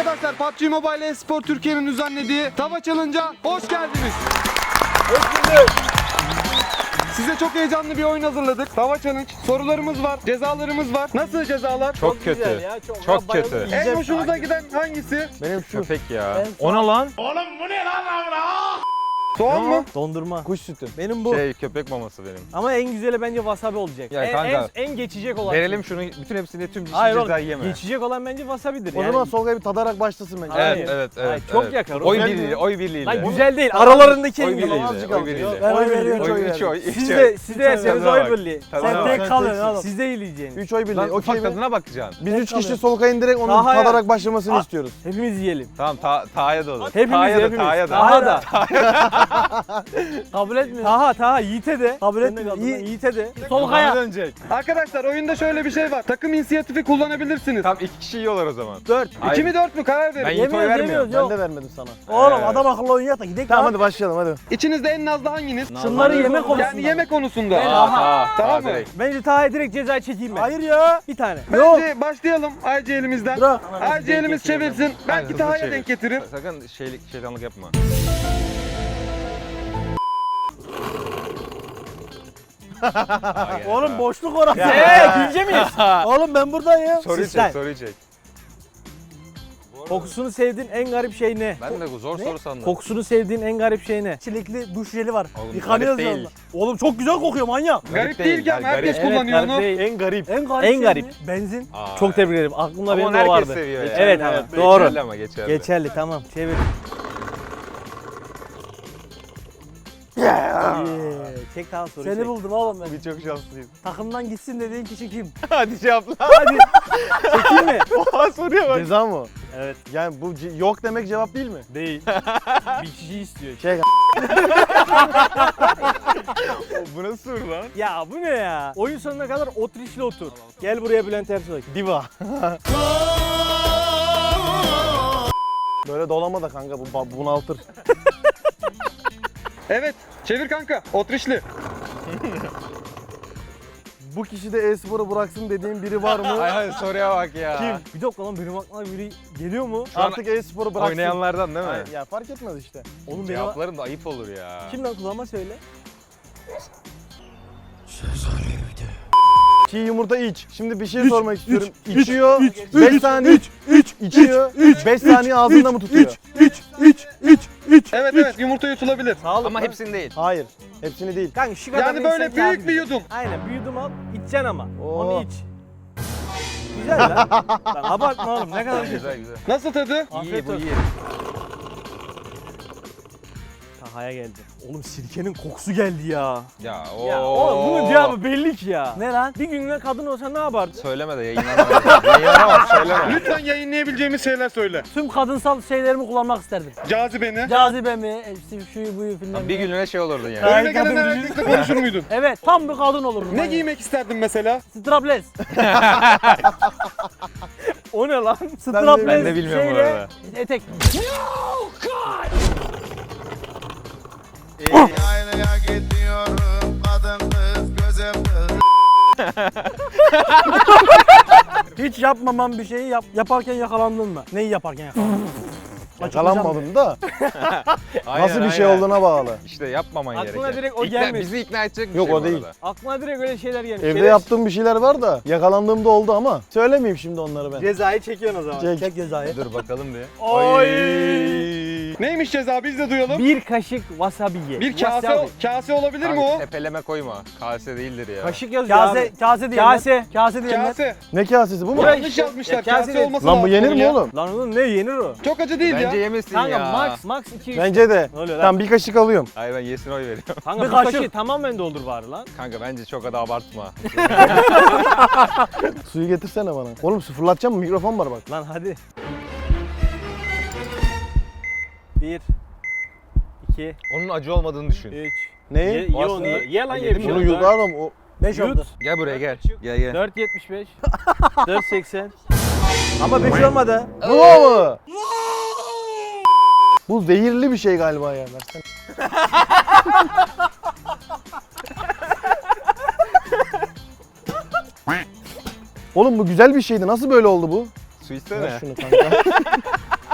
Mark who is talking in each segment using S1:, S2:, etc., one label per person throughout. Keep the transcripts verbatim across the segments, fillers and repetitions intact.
S1: Arkadaşlar P U B G Mobile Espor Türkiye'nin düzenlediği Tava Challenge'a hoş geldiniz.
S2: Hoş bulduk.
S1: Size çok heyecanlı bir oyun hazırladık. Tava Challenge. Sorularımız var, cezalarımız var. Nasıl cezalar?
S3: Çok, çok kötü.
S2: Ya, çok
S3: çok
S2: ben
S3: kötü.
S1: En hoşunuza giden hangisi?
S2: Benim şu.
S3: Köpek ya.
S2: Ben-
S3: Ona lan.
S1: Soğan mı?
S2: Dondurma.
S4: Kuş sütü.
S2: Benim bu.
S3: Şey köpek maması benim.
S2: Ama en güzeli bence wasabi olacak.
S3: Ya
S2: en,
S3: kanka,
S2: en, en geçecek olan.
S3: Verelim şunu bütün hepsini tüm
S2: Hayır oğlum.
S3: cezayı yeme.
S2: Geçecek olan bence wasabi'dir.
S4: O
S2: yani.
S4: zaman Solkay bir tadarak başlasın bence.
S2: Hayır.
S3: Evet evet evet.
S2: Hayır, çok
S3: evet.
S2: yakar.
S3: Oy
S4: Güzel
S3: birliğiyle,
S4: mi?
S3: oy birliğiyle.
S2: Lan güzel değil. Aralarındaki
S3: Oy
S2: en güzel.
S3: birliğiyle,
S4: azıcık
S3: oy
S4: aldık.
S3: birliğiyle.
S4: Ben
S2: Oy
S4: oy veriyorum.
S2: birliği.
S3: Oy üç oy.
S2: Siz
S3: üç
S2: de,
S3: oy.
S2: siz de yerseniz
S3: Tadına
S2: oy
S3: bak.
S2: birliği.
S3: Tadına
S2: Sen
S3: bak.
S2: tek
S4: Sen
S2: kalın
S4: teksin.
S2: oğlum. Siz de yiyeceksiniz.
S4: üç oy birliği.
S3: Lan
S4: Okey
S3: ufak
S4: mi?
S3: tadına bakacaksın.
S4: Biz
S2: Tek
S4: üç kişi
S2: kalın.
S4: Solkay'ın direkt onun
S2: Daha ya.
S4: tadarak başlamasını
S2: Aa.
S4: istiyoruz.
S2: Hepimiz yiyelim.
S3: Tamam ta, Taha'ya da olur.
S2: Hepimiz
S3: Taha'ya da,
S2: hepimiz.
S3: Taha'ya da.
S2: Taha da.
S5: Kabul etmiyor.
S2: Taha Taha Yiğit'e de.
S5: Kabul
S2: Sen de
S5: etmiyor.
S2: kaldın lan,
S5: Yiğit.
S2: Yiğit'e de.
S5: Solkaya.
S3: Bana dönecek.
S1: Arkadaşlar oyunda şöyle bir şey var. Takım inisiyatifi kullanabilirsiniz.
S3: Tamam iki kişi yiyorlar o zaman.
S2: Dört.
S3: Hayır.
S1: İki mi dört mü karar verin.
S3: Ben Yiğit'e oy
S5: Yemiyoruz,
S3: vermiyorum.
S5: yemiyoruz.
S4: Ben
S5: Yok.
S4: de vermedim sana.
S5: Oğlum
S3: Ee.
S5: adam akıllı oynayak da gidelim.
S4: Tamam
S5: lan.
S4: hadi başlayalım hadi.
S1: İçinizde en nazlı hanginiz?
S5: Şunları yemek konusunda.
S1: Yani yemek konusunda.
S2: Ben-
S3: Aa, Taha.
S1: Tamam
S3: Taha
S1: mı?
S3: direkt.
S2: Bence Taha'ya direkt ceza çekeyim ben.
S5: Hayır ya.
S2: Bir tane.
S1: Bence başlayalım I G elimizden.
S5: Bırak.
S1: I G elimiz çevirsin.
S3: Aynen,
S1: Belki
S3: hızlı
S1: Taha'ya
S3: çevir.
S1: denk getirir.
S3: Sakın şeylik, şeytanlık yapma. Taha geldi,
S5: Oğlum
S3: Taha.
S5: boşluk orası.
S2: Eee bilge miyiz?
S5: Oğlum ben buradayım.
S3: Soruyu
S2: Sistem.
S3: çek, soruyu çek.
S2: Kokusunu sevdiğin en garip şey ne?
S3: Ben de zor soru sandım.
S2: Kokusunu sevdiğin en garip şey ne?
S5: Çilekli duş jeli var.
S3: Oğlum,
S5: Yıkanıyoruz
S3: garip
S5: ya
S3: değil.
S5: onunla. Oğlum çok güzel kokuyor manyak.
S1: Garip değil ki ama
S3: yani
S1: herkes
S3: garip.
S1: kullanıyor
S2: garip
S1: onu.
S2: değil.
S4: En garip.
S5: En garip
S2: En
S5: şey
S2: garip.
S5: mi? Benzin.
S3: Aa,
S2: Çok tebrik ederim. Aklımda
S3: Ama
S2: benim
S3: onu
S2: de o
S3: herkes
S2: vardı.
S3: seviyor ya.
S2: Evet,
S3: Evet,
S2: evet, doğru.
S3: Geçerli ama geçerli.
S2: Geçerli tamam. Çevir. Yeah. Çek daha soru
S5: Seni
S2: çek.
S5: buldum oğlum ben.
S3: Bir çok şanslıyım.
S5: Takımdan gitsin dediğin kişi kim?
S3: Hadi cevapla.
S2: Hadi. Çekeyim mi?
S3: Oha soruya bak.
S4: Ceza mı?
S2: Evet.
S4: Yani bu ce- yok demek cevap değil mi?
S2: Değil. Bir kişi istiyor.
S4: Şey
S3: Bu nasıl soru lan?
S2: Ya bu ne ya? Oyun sonuna kadar otrişli otur. Gel buraya Bülent Ersoy.
S4: diva. Böyle dolama da kanka bu bu- bunaltır.
S1: Evet. Çevir kanka. Otrişli.
S4: Bu kişi de e-sporu bıraksın dediğin biri var mı?
S3: Ay hayır soruya bak ya.
S2: Kim? Bir dakika lan benim aklıma biri geliyor mu?
S3: Şu an
S4: Artık e-sporu bıraksın.
S3: oynayanlardan değil mi?
S4: Hayır, ya fark etmez işte.
S2: Oğlum benim
S3: Cevapların da ayıp olur ya.
S2: Kimden kullanma söyle.
S4: Çiğ yumurta iç. Şimdi bir şey
S2: Üç,
S4: sormak
S2: üç,
S4: istiyorum.
S2: üç,
S4: İçiyor.
S2: üç,
S4: beş
S2: üç,
S4: saniye
S2: üç, üç,
S4: içiyor. beş saniye ağzında mı tutuyor?
S2: üç, üç, üç, üç.
S1: Evet evet yumurta yutulabilir.
S2: Sağ olun.
S3: Ama hepsini değil.
S4: Hayır. Hepsini değil.
S2: Kanka şu kadar
S1: Yani böyle
S2: insan
S1: büyük
S2: kafi.
S1: bir yudum.
S2: Aynen bir yudum al, içeceksin ama.
S4: Oo.
S2: Onu iç. Güzel lan. Lan abartma oğlum ne kadar güzel.
S3: Güzel güzel.
S1: Nasıl tadı?
S3: İyi
S2: Afiyet
S3: bu
S2: olsun.
S3: iyi.
S2: Taha'ya geldi. Oğlum sirkenin kokusu geldi ya.
S3: Ya
S2: Ya
S3: o.
S2: oğlum bunun cevabı belli ki ya.
S5: Ne lan?
S2: Bir günlüğüne kadın olsa ne yapardın?
S3: Söyleme de yayınlanamaz. Yayınlanamaz söyleme.
S1: Lütfen yayınlayabileceğimiz şeyler söyle.
S5: Tüm kadınsal şeylerimi kullanmak isterdim.
S1: Cazibeni.
S5: Cazibe mi? İşte şuyu buyu filan.
S3: Bir günlüğüne şey olurdun yani.
S1: Önüne gelen herkesle konuşur muydun?
S5: Evet tam bir kadın olurdum.
S1: Ne giymek isterdin mesela?
S5: Strapless.
S2: O ne lan?
S5: Strapless.
S3: Ben de bilmiyorum bu
S5: şeyle
S3: arada.
S5: Etek.
S6: Yaylaya gidiyorum kadın kız göze kız.
S5: Hiç yapmamam bir şeyi yap, yaparken yakalandın mı? Neyi yaparken yakalandın?
S4: Yakalanmadım da
S3: Aynen,
S4: nasıl bir şey
S3: aynen.
S4: olduğuna bağlı.
S3: İşte yapmaman
S2: Aklına
S3: gereken.
S2: direkt o
S3: İkna-
S2: gelmiş.
S3: Bizi ikna edecek bir
S4: Yok,
S3: şey
S4: o
S3: bu
S4: değil.
S3: arada.
S2: Aklıma direkt öyle şeyler gelmiş.
S4: Evde
S2: Şeref-
S4: yaptığım bir şeyler var da yakalandığımda oldu ama söylemeyeyim şimdi onları ben.
S2: Cezayı çekiyorsun o zaman.
S4: Çek.
S5: Çek cezayı.
S3: Dur bakalım bir.
S2: Oy!
S1: Neymiş ceza biz de duyalım.
S2: Bir kaşık wasabi ye.
S1: Bir kase,
S2: Wasabi.
S1: kase olabilir mi
S3: Kanka,
S1: o?
S3: tepeleme koyma. Kase değildir ya.
S2: Kaşık yazıyor
S5: Kase,
S2: abi.
S5: kase diyenler.
S2: Kase.
S5: Kase diyenler.
S1: Kase.
S4: Ne kasesi bu mu?
S2: Buraya-
S1: Yanlış yazmışlar.
S2: Ya kase
S1: Kase
S2: değil.
S1: olması
S4: Lan bu
S1: lazım
S4: yenir
S1: bunun
S4: mi
S1: ya.
S4: oğlum?
S2: Lan oğlum ne yenir o?
S1: Çok acı değil
S3: Bence
S1: ya.
S3: yemesin
S2: Kanka
S3: ya.
S2: max max iki üç.
S4: Bence de.
S2: Ne oluyor lan?
S4: Tamam bir kaşık alıyorum.
S3: Hayır ben yesin oy veriyorum.
S2: Kanka
S5: Bir
S2: bu kaşığı
S5: kaşık.
S2: tamamen doldur bari lan.
S3: Kanka bence çok da abartma.
S4: Suyu getirsene bana. Oğlum sıfırlatacağım mı? Mikrofon var bak.
S2: Lan hadi. Bir. iki.
S3: Onun acı olmadığını düşün.
S2: Üç.
S4: Neyi?
S2: Ye, ye onu ye. Ye lan ye bir şey.
S4: Bunu
S2: olmaz.
S4: yudarım. O...
S5: beş
S2: Yut.
S5: oldu.
S3: Gel buraya gel. Gel gel.
S2: dört yetmiş beş. dört seksen. Ama beş olmadı.
S4: Bu mu? Bu zehirli bir şey galiba ya. Versene. Oğlum bu güzel bir şeydi. Nasıl böyle oldu bu?
S3: Su istene.
S4: Ver şunu kanka.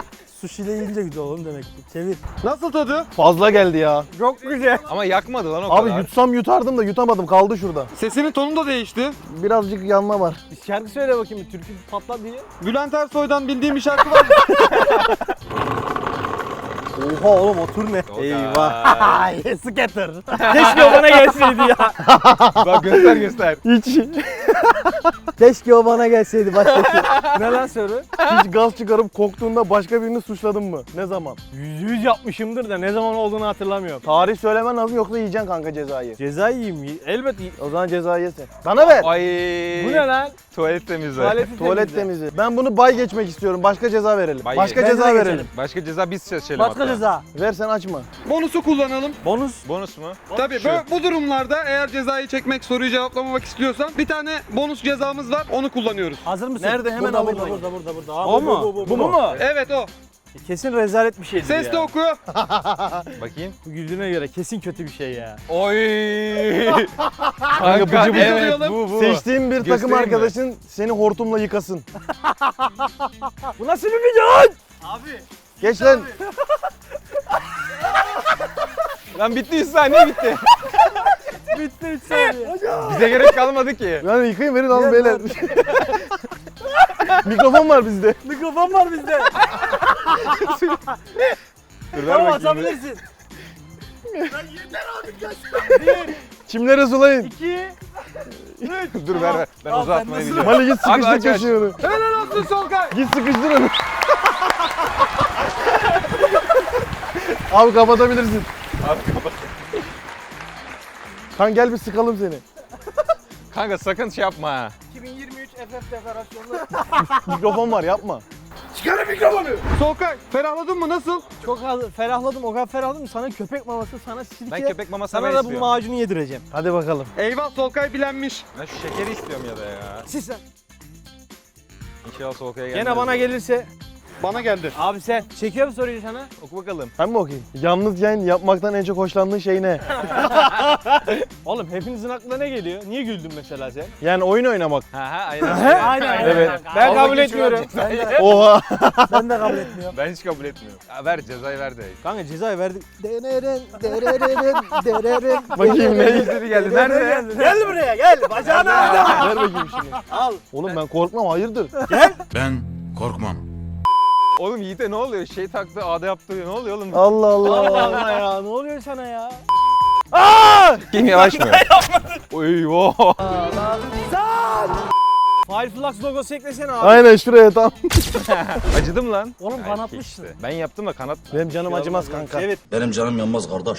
S5: ile yiyince güzel olur demek ki. Çevir.
S1: Nasıl tadı?
S4: Fazla geldi ya.
S5: Çok güzel.
S3: Ama yakmadı lan o
S4: Abi
S3: kadar.
S4: yutsam yutardım da yutamadım, kaldı şurada.
S1: Sesinin tonu da değişti.
S4: Birazcık yanma var.
S5: Şarkı söyle bakayım, türkü patlat diye.
S1: Bülent Ersoy'dan bildiğim bir şarkı var.
S5: Oha oğlum o tur ne?
S3: O kadar.
S5: Eyvah. Ay skater. Keşke o bana gelseydi ya.
S3: Bak göster göster.
S4: Hiç
S5: Keşke o bana gelseydi baştaki. Ne lan soru?
S4: hiç gaz çıkarıp koktuğunda başka birini suçladın mı? Ne zaman?
S5: Yüz yüz yapmışımdır da ne zaman olduğunu hatırlamıyorum.
S4: Tarih söylemen lazım yoksa yiyeceksin kanka cezayı.
S5: Ceza yiyeyim. Elbet yiyeyim.
S4: O zaman cezayı yesin. Bana ver.
S3: Ay.
S5: Bu ne lan?
S3: Tuvalet temizle.
S5: Tuvaleti
S4: Tuvalet
S5: temizle.
S4: temizliği. Ben bunu bay geçmek istiyorum. Başka ceza verelim.
S3: Bay
S4: Başka
S5: geç.
S4: ceza
S5: Bence de
S4: verelim.
S5: geçelim.
S3: Başka ceza biz seçelim
S5: Başka
S3: hatta.
S5: ceza.
S4: Ver sen açma.
S1: Bonusu kullanalım.
S5: Bonus.
S3: Bonus mu?
S1: Tabii
S3: Şu.
S1: bu, bu durumlarda eğer cezayı çekmek, soruyu cevaplamamak istiyorsan bir tane bonus cezamız var. Onu kullanıyoruz.
S5: Hazır mısın?
S4: Nerede? Hemen
S5: burada,
S4: alayım
S5: burada,
S4: ben.
S5: burada, burada, burada.
S2: O mu?
S5: Bu, mu?
S1: Evet o.
S5: Kesin rezalet bir şeydir
S1: Ses de
S5: ya.
S1: oku.
S3: Bakayım.
S5: Bu güldüğüne göre kesin kötü bir şey ya.
S3: Oy.
S4: Kanka bıcı bıcı.
S3: evet
S1: alalım.
S3: bu bu.
S4: Seçtiğin bir takım
S3: Göstereyim mi?
S4: arkadaşın seni hortumla yıkasın.
S5: Bu nasıl bir video?
S4: Geç lan.
S3: Lan bitti yüz saniye bitti.
S5: Bitti üç saniye.
S3: Bize gerek kalmadı ki.
S4: Yani yıkayın verin alın beyler. Mikrofon var bizde.
S5: Mikrofon var bizde.
S3: Dur ver
S5: Tamam
S3: bakayım.
S5: açabilirsin.
S4: Çimlere sulayın.
S5: İki.
S3: Dur ver ver. Ben
S5: Al,
S3: uzatmayı
S5: sen nasıl-
S3: biliyorum.
S4: Mali git
S3: Abi aç,
S4: sıkıştır
S3: aç.
S4: köşeyi.
S1: Helal olsun Solkay.
S4: Git sıkıştır onu. Abi kapatabilirsin.
S3: Abi kapat.
S4: Kan gel bir sıkalım seni.
S3: Kanka sakın şey yapma ha.
S5: iki bin yirmi üç F F deklarasyonu.
S4: Mikrofon var yapma.
S1: Solkay ferahladın mı? Nasıl?
S5: Çok az ferahladım, o kadar ferahladım. Sana köpek maması, sana sirke.
S3: Ben köpek maması
S5: Sana
S3: ben
S5: da bu
S3: istiyorum.
S5: macunu yedireceğim.
S4: Hadi bakalım.
S1: Eyvah Solkay bilenmiş.
S3: Ben şu şekeri istiyorum ya da ya.
S5: Siz sen.
S3: İnşallah soğukaya gelmez.
S5: Gene bana gelirse.
S1: Bana geldi.
S5: Abi sen. Çekiyorum soruyu sana.
S3: Oku bakalım.
S4: Ben mi okuyayım? Yalnız yayın yapmaktan en çok hoşlandığın şey ne?
S5: Oğlum hepinizin aklına ne geliyor? Niye güldün mesela sen?
S4: Yani oyun oynamak.
S3: Ha ha aynen.
S5: Aynen aynen.
S4: Evet.
S5: Ben
S3: Al
S5: kabul
S3: bakayım
S5: etmiyorum.
S3: şu an cezayı.
S4: Oha.
S5: Ben de kabul etmiyorum.
S3: Ben hiç kabul etmiyorum. Ya ver cezayı ver de.
S5: Kanka cezayı verdik. Dereren, dereren, dereren.
S4: Bakayım ne?
S3: İzleri geldi. Nerede?
S5: Gel buraya gel. Bacağına.
S4: Ver bakayım şunu.
S5: Al.
S4: Oğlum ben korkmam hayırdır?
S6: Ben korkmam.
S3: Oğlum Yiğit'e ne oluyor? Şey taktı, ağda yaptı. Ne oluyor oğlum?
S4: Allah Allah.
S5: Allah Allah ya. Ne oluyor sana ya?
S3: Kim yavaşmıyor? Oy wow.
S5: Fireflux logosu eklesene abi.
S4: Aynen şuraya tam.
S3: Acıdım lan.
S5: Oğlum
S3: Ay,
S5: kanatmışsın.
S3: işte. Ben yaptım da kanat.
S4: Benim canım acımaz kanka.
S5: Evet.
S7: Benim canım yanmaz kardeş.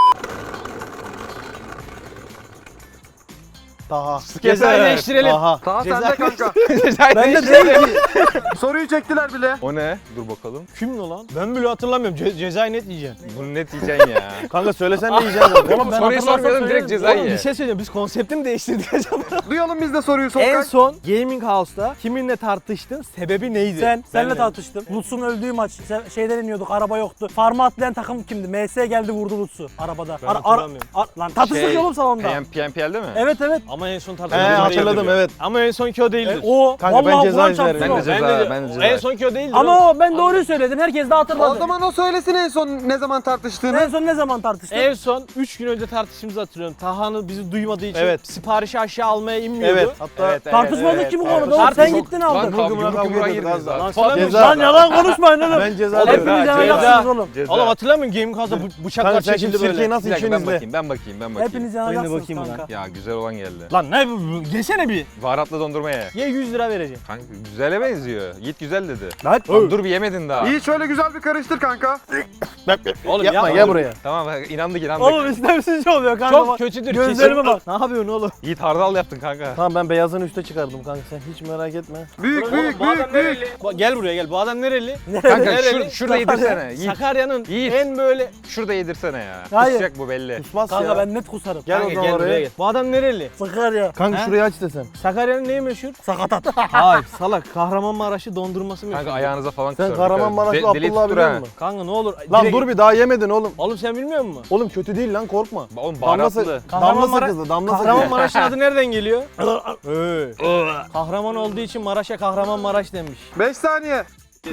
S4: Daha.
S5: Cezayı değiştirelim.
S4: Aha.
S1: Daha sende kanka.
S5: Ben de değil ki.
S1: Soruyu çektiler bile.
S3: O ne? Dur bakalım.
S5: Kim ne lan? Ben bile hatırlamıyorum. Ce- cezayı net yiyeceğim.
S3: Bunu net yiyeceksin ya.
S4: Kanka söylesen de yiyeceğiz zaten.
S5: Oğlum ben
S3: Soruyu
S5: hatırlarsam
S3: sormayalım, direkt
S5: söylerim.
S3: cezayı
S5: Oğlum
S3: ye.
S5: bir şey söyleyeceğim. Biz konsepti mi değiştirdik acaba?
S1: Duyalım biz de soruyu Solkay.
S5: En son Gaming House'ta kiminle tartıştın? Sebebi neydi? Sen, senle tartıştım. Lutz'un öldüğü maç. Sen- Şeyden iniyorduk, araba yoktu. Farm'a atlayan takım kimdi? M S geldi vurdu Lutz'u arabada.
S2: Ben
S5: Ara- ara-
S2: hatırlamıyorum.
S5: ar- lan tartıştık
S3: Şey,
S5: oğlum salonda.
S3: P M P L'de mi?
S5: Evet evet.
S2: Ama en son
S4: He
S2: tartışmamız
S4: hatırladım evet.
S2: Ama en sonki o değildir.
S5: E, o
S4: Kanka ben
S5: vallahi
S4: ceza
S5: Kur'an
S4: izlerim.
S5: çarpsın
S3: Ben
S5: o.
S3: de ceza,
S2: Ben de,
S3: ben de ceza.
S2: en sonki o değildir.
S5: Ama o ben doğruyu söyledim. Herkes de hatırladı.
S1: O zaman o söylesin en son ne zaman tartıştığını.
S5: En son ne zaman tartıştın?
S2: En son üç gün önce tartıştığımızı hatırlıyorum. Tahan'ı bizi duymadığı için
S4: Evet.
S2: siparişi aşağı almaya inmiyordu.
S4: Evet. Hatta
S5: Tartışmadık ki bu konuda. Oğlum
S3: Tartıştık.
S5: sen gittin aldın.
S3: Lan kavga
S4: Vurgumuna
S3: yumruk
S4: kavga
S3: yumruğa
S4: ediyorduk
S3: girdiniz
S4: az daha.
S3: lan.
S4: Ceza.
S5: Lan yalan konuşmayın oğlum.
S4: Ben ceza
S5: Hepiniz
S4: veriyorum.
S3: ceza.
S5: yanacaksınız oğlum.
S3: Ceza.
S2: Oğlum hatırlamıyor musun Gaming House'da bu- bıçaklar
S4: Kanka sen şimdi
S2: çekildi
S4: sirkeyi
S2: böyle.
S4: nasıl
S3: Bir dakika ben
S4: içiyorsunuz de?
S3: bakayım, ben bakayım, ben bakayım.
S5: Hepiniz
S2: Ben de
S5: yanacaksınız
S2: bakayım buna.
S5: kanka.
S3: Ya güzel olan geldi.
S2: Lan ne bu? Yesene bir.
S3: Baharatlı dondurma ye.
S2: Ye yüz lira vereceğim.
S3: Kanka güzele benziyor. Yiğit güzel dedi.
S4: Lan.
S3: Lan dur bir yemedin daha.
S1: İyi şöyle güzel bir karıştır kanka.
S2: Oğlum
S4: Yapma
S2: yapma.
S4: gel buraya.
S3: Tamam bak, inandık inandık.
S5: Oğlum istemsizce oluyor kanka.
S2: Çok
S5: bak.
S2: kötüdür.
S5: Gözlerime
S2: kesin.
S5: bak. Ne yapıyorsun oğlum?
S3: Yiğit hardal yaptın kanka.
S4: Tamam ben beyazını üste çıkardım kanka sen hiç merak etme.
S1: Büyük
S2: Oğlum,
S1: büyük
S2: bu adam
S1: büyük büyük.
S2: nereli? Bak, gel buraya gel. Bu adam nereli?
S3: Kanka
S2: Nereli?
S3: şur, şurada yedirsene. Yiğit.
S2: Sakarya'nın
S3: Yiğit.
S2: en böyle...
S3: Şurada yedirsene ya.
S5: Hayır.
S3: Kusacak bu belli.
S4: Kusmaz
S5: Kanka
S4: ya.
S5: ben net kusarım.
S4: Gel o
S2: Kanka
S4: zaman
S2: gel buraya
S4: oraya.
S2: gel. Bu adam nereli?
S5: Sakarya.
S4: Kanka
S2: He?
S4: şurayı aç desem.
S2: Sakarya'nın neyi meşhur?
S5: Sakatat.
S2: Hayır salak. Kahramanmaraş'ı dondurması meşhur.
S3: Kanka ayağınıza falan
S4: Sen
S3: kusar.
S4: Kahramanmaraşlı
S3: De- deli
S4: Abdullah
S3: tuttur
S4: biliyor
S3: ha.
S4: musun?
S2: Kanka ne olur.
S4: Lan
S2: direkt-
S4: dur bir daha yemedin oğlum.
S2: Oğlum sen bilmiyor musun?
S4: Oğlum kötü değil lan korkma.
S3: Oğlum
S4: Damla,
S3: baharatlı.
S4: sa- damla sakızı, damla sakızı.
S2: Kahramanmaraş'ın adı nereden geliyor? Ee. Kahraman olduğu için Maraş'a Kahramanmaraş demiş.
S1: beş saniye. dört,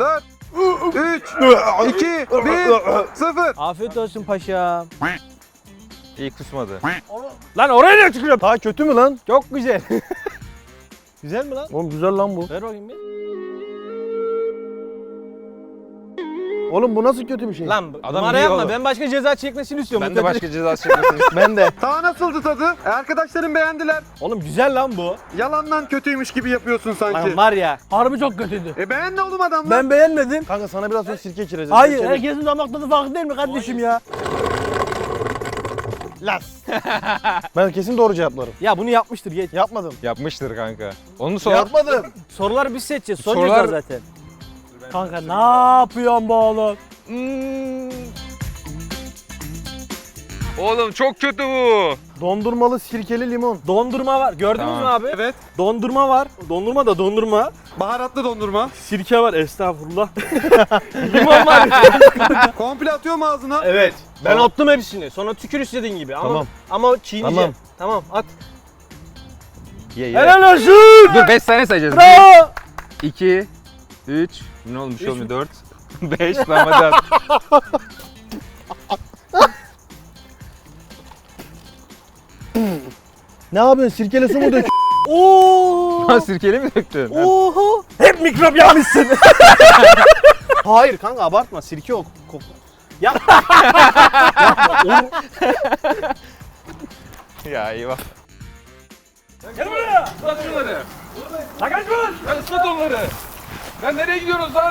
S1: üç, iki, bir, sıfır.
S5: Afiyet olsun paşam.
S3: İyi kusmadı.
S5: Lan oraya ne tükürüyorum?
S4: Ha kötü mü lan?
S5: Çok güzel. Güzel mi lan?
S4: Oğlum güzel lan bu.
S5: Ver bakayım bir.
S4: Oğlum bu nasıl kötü bir şey?
S5: Lan
S3: Adam
S5: numara
S3: iyi
S5: yapma.
S3: oğlum.
S5: Ben başka ceza çekmesini istiyorum.
S3: Ben
S5: Bu
S3: de
S5: kötü-
S3: başka ceza çekmesini
S4: Ben de.
S1: Daha nasıldı tadı? E, arkadaşlarım beğendiler.
S5: Oğlum güzel lan bu.
S1: Yalandan kötüymüş gibi yapıyorsun sanki.
S5: Lan var ya. Harbi çok kötüydü.
S1: E beğendi oğlum adamlar.
S5: Ben beğenmedim.
S4: Kanka sana biraz sonra sirke içireceğiz.
S5: Hayır,
S4: Çevir.
S5: herkesin damak tadı farklı değil mi kardeşim ya?
S4: Las. Ben kesin doğru cevaplarım.
S5: Ya bunu yapmıştır geç.
S4: Yapmadım.
S3: yapmıştır kanka. Onu sor.
S4: Yapmadım.
S5: Soruları biz seçeceğiz. Son
S3: Sorular-
S5: ceza zaten. Kanka ne yapıyorsun bu oğlum?
S3: Hmm. Oğlum çok kötü bu.
S4: Dondurmalı sirkeli limon.
S5: Dondurma var. Gördünüz
S3: Tamam.
S5: mü abi?
S1: Evet.
S5: Dondurma var. Dondurma da dondurma.
S1: Baharatlı dondurma.
S5: Sirke var. Estağfurullah. Limon var.
S1: Komple atıyor mu ağzına?
S5: Evet. Ben attım hepsini. Sonra tükür istediğin gibi. Ama
S4: Tamam.
S5: ama çiğneyeceğim.
S4: Tamam.
S5: Tamam at.
S3: Ye ye.
S5: Helal olsun.
S3: Dur beş saniye sayacağız.
S5: Bravo.
S3: iki, üç, ne olmuş olmuyor dört, beş, tamam hadi at.
S4: Ne yapıyorsun? Sirkeli su mu dök?
S5: Oo.
S3: Ha, sirkeli mi döktün?
S5: Oho. Hep mikrop yapmışsın. Hayır kanka abartma. Sirke o. Kok. Yap.
S3: Ya eyvah.
S5: Gel buraya.
S3: Islat şunları.
S5: Lan kaç var.
S3: Ben ıslat onları. Ben nereye gidiyoruz lan?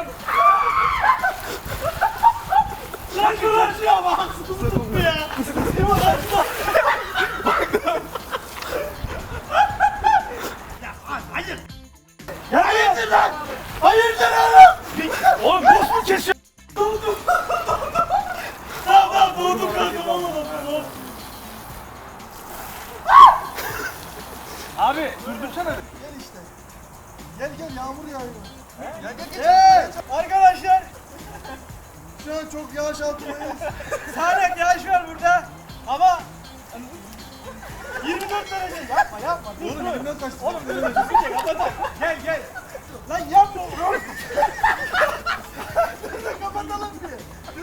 S5: Lan şuradan şuraya bak. Haksızlık mı ya? Limon açma. Ya hayır. Ya hayırdır lan? Hayırdır oğlum? Oğlum boş mu kesiyor? Doğdum. Tamam tamam doğdum kanka oğlum. Abi durdursana.
S4: Gel gel yağmur yağıyor. Gel gel
S5: Hey, arkadaşlar
S4: Şu an çok yağış altındayız.
S5: sağanak yağış var burada ama yirmi dört derece yapma yapma.
S4: Oğlum elimden kaçtı.
S5: Oğlum bir şey kapatalım. Gel gel. Lan yapma oğlum.
S4: Kapatalım bir.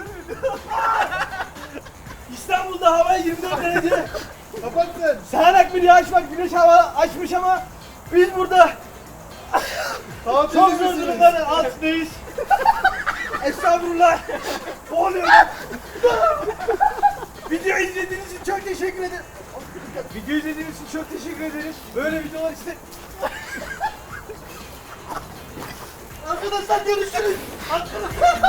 S5: İstanbul'da hava yirmi dört derece.
S4: Kapat sen.
S5: Sağanak bir yağış var. Güneş hava açmış ama biz burada
S4: Tatil
S5: çok zor
S4: misiniz?
S5: durumların altındayız. Estağfurullah. Boğuluyorum. Video izlediğiniz için çok teşekkür ederim. Video izlediğiniz için çok teşekkür ederiz. Böyle videolar işte. Arkadaşlar görüşürüz. Arkadaşlar.